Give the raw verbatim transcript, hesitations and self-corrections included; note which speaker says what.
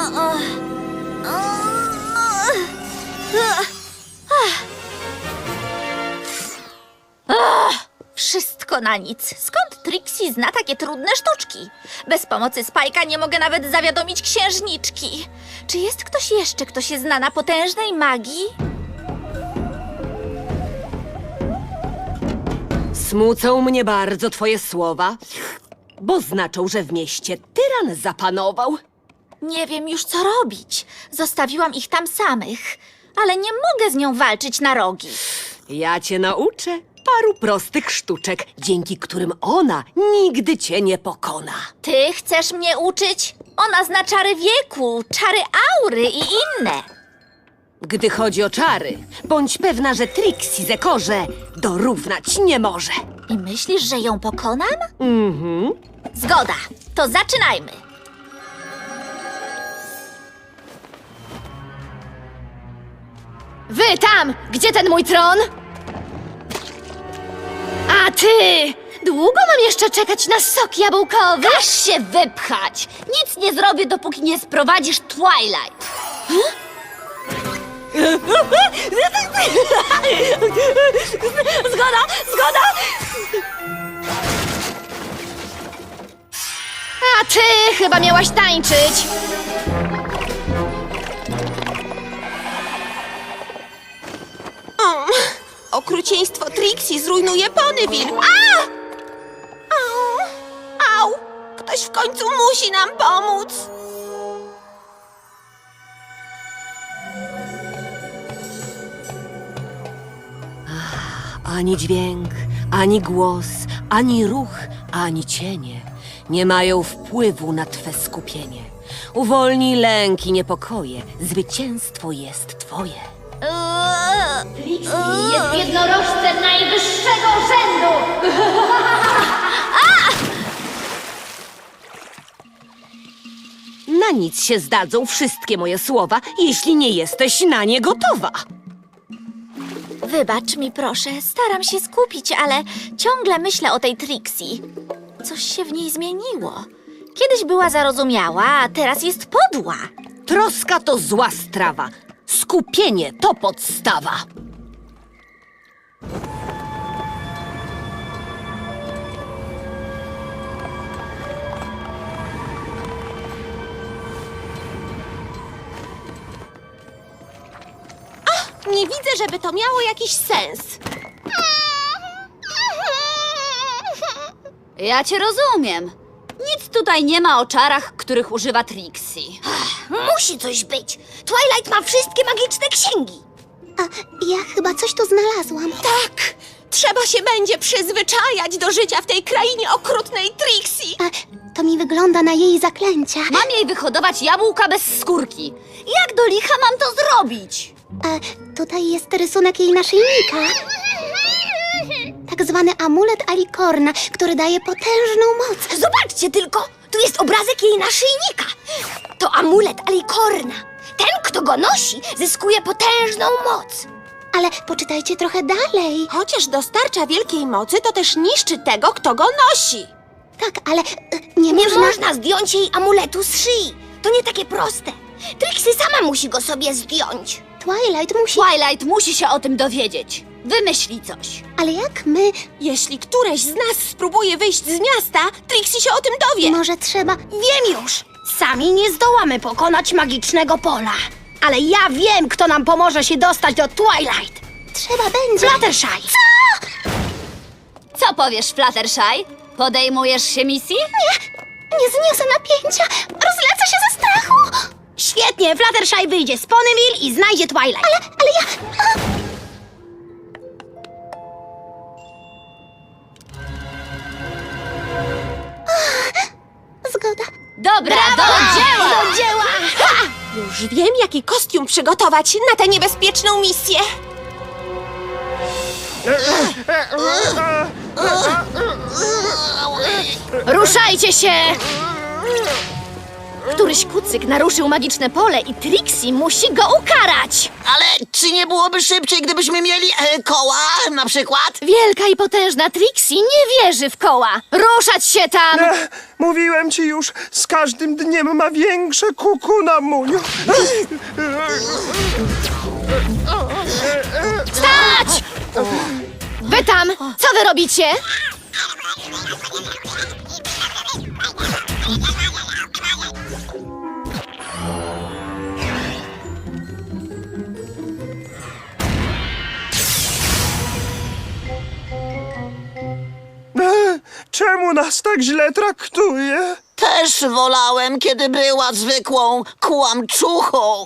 Speaker 1: Wszystko na nic. Skąd Trixie zna takie trudne sztuczki? Bez pomocy Spike'a nie mogę nawet zawiadomić księżniczki. Czy jest ktoś jeszcze, kto się zna na potężnej magii?
Speaker 2: Smucą mnie bardzo twoje słowa, bo znaczą, że w mieście tyran zapanował.
Speaker 1: Nie wiem już, co robić. Zostawiłam ich tam samych, ale nie mogę z nią walczyć na rogi.
Speaker 2: Ja cię nauczę paru prostych sztuczek, dzięki którym ona nigdy cię nie pokona.
Speaker 1: Ty chcesz mnie uczyć? Ona zna czary wieku, czary aury i inne.
Speaker 2: Gdy chodzi o czary, bądź pewna, że Trixie Zekorze dorównać nie może.
Speaker 1: I myślisz, że ją pokonam?
Speaker 2: Mhm.
Speaker 1: Zgoda, to zaczynajmy.
Speaker 3: Wy tam! Gdzie ten mój tron? A ty! Długo mam jeszcze czekać na sok jabłkowy?
Speaker 1: Każ się wypchać! Nic nie zrobię, dopóki nie sprowadzisz Twilight.
Speaker 2: Zgoda, zgoda!
Speaker 3: A ty chyba miałaś tańczyć!
Speaker 4: Okrucieństwo Trixie zrujnuje Ponyville. A! Au! Au! Ktoś w końcu musi nam pomóc.
Speaker 2: Ani dźwięk, ani głos, ani ruch, ani cienie nie mają wpływu na twe skupienie. Uwolnij lęk i niepokoje, zwycięstwo jest twoje.
Speaker 3: Jest jednorożcem najwyższego rzędu!
Speaker 2: Na nic się zdadzą wszystkie moje słowa, jeśli nie jesteś na nie gotowa.
Speaker 1: Wybacz mi proszę, staram się skupić, ale ciągle myślę o tej Trixie. Coś się w niej zmieniło. Kiedyś była zarozumiała, a teraz jest podła.
Speaker 2: Troska to zła strawa. Skupienie to podstawa.
Speaker 4: Nie widzę, żeby to miało jakiś sens.
Speaker 5: Ja cię rozumiem. Nic tutaj nie ma o czarach, których używa Trixie.
Speaker 1: Musi coś być. Twilight ma wszystkie magiczne księgi.
Speaker 6: A ja chyba coś tu znalazłam.
Speaker 4: Tak! Trzeba się będzie przyzwyczajać do życia w tej krainie okrutnej Trixie.
Speaker 6: A to mi wygląda na jej zaklęcia.
Speaker 5: Mam jej wyhodować jabłka bez skórki. Jak do licha mam to zrobić?
Speaker 6: A tutaj jest rysunek jej naszyjnika. Tak zwany amulet Alicorna, który daje potężną moc.
Speaker 1: Zobaczcie tylko, tu jest obrazek jej naszyjnika. To amulet Alicorna. Ten, kto go nosi, zyskuje potężną moc.
Speaker 6: Ale poczytajcie trochę dalej.
Speaker 4: Chociaż dostarcza wielkiej mocy, to też niszczy tego, kto go nosi.
Speaker 6: Tak, ale e, nie,
Speaker 1: Nie
Speaker 6: można...
Speaker 1: można zdjąć jej amuletu z szyi. To nie takie proste. Trixie sama musi go sobie zdjąć.
Speaker 6: Twilight musi...
Speaker 5: Twilight musi się o tym dowiedzieć. Wymyśli coś.
Speaker 6: Ale jak my...
Speaker 4: Jeśli któreś z nas spróbuje wyjść z miasta, Trixie się o tym dowie.
Speaker 6: Może trzeba...
Speaker 7: Wiem już! Sami nie zdołamy pokonać magicznego pola. Ale ja wiem, kto nam pomoże się dostać do Twilight.
Speaker 6: Trzeba będzie...
Speaker 7: Fluttershy!
Speaker 5: Co powiesz, Fluttershy? Podejmujesz się misji?
Speaker 6: Nie zniosę napięcia. Rozlecę się ze strachu.
Speaker 7: Świetnie, Fluttershy wyjdzie z Ponyville i znajdzie Twilight.
Speaker 6: Ale, ale ja... A... Zgoda.
Speaker 5: Dobra, do dzieła!
Speaker 7: Do dzieła!
Speaker 4: Już wiem, jaki kostium przygotować na tę niebezpieczną misję.
Speaker 3: Ruszajcie się! Któryś kucyk naruszył magiczne pole i Trixie musi go ukarać.
Speaker 8: Ale czy nie byłoby szybciej, gdybyśmy mieli e, koła na przykład?
Speaker 3: Wielka i potężna Trixie nie wierzy w koła. Ruszać się tam!
Speaker 9: Ech, mówiłem ci już, z każdym dniem ma większe kuku na muniu.
Speaker 3: Stać! Wy tam, co wy robicie?
Speaker 9: Ech, czemu nas tak źle traktuje?
Speaker 8: Też wolałem, kiedy była zwykłą kłamczuchą.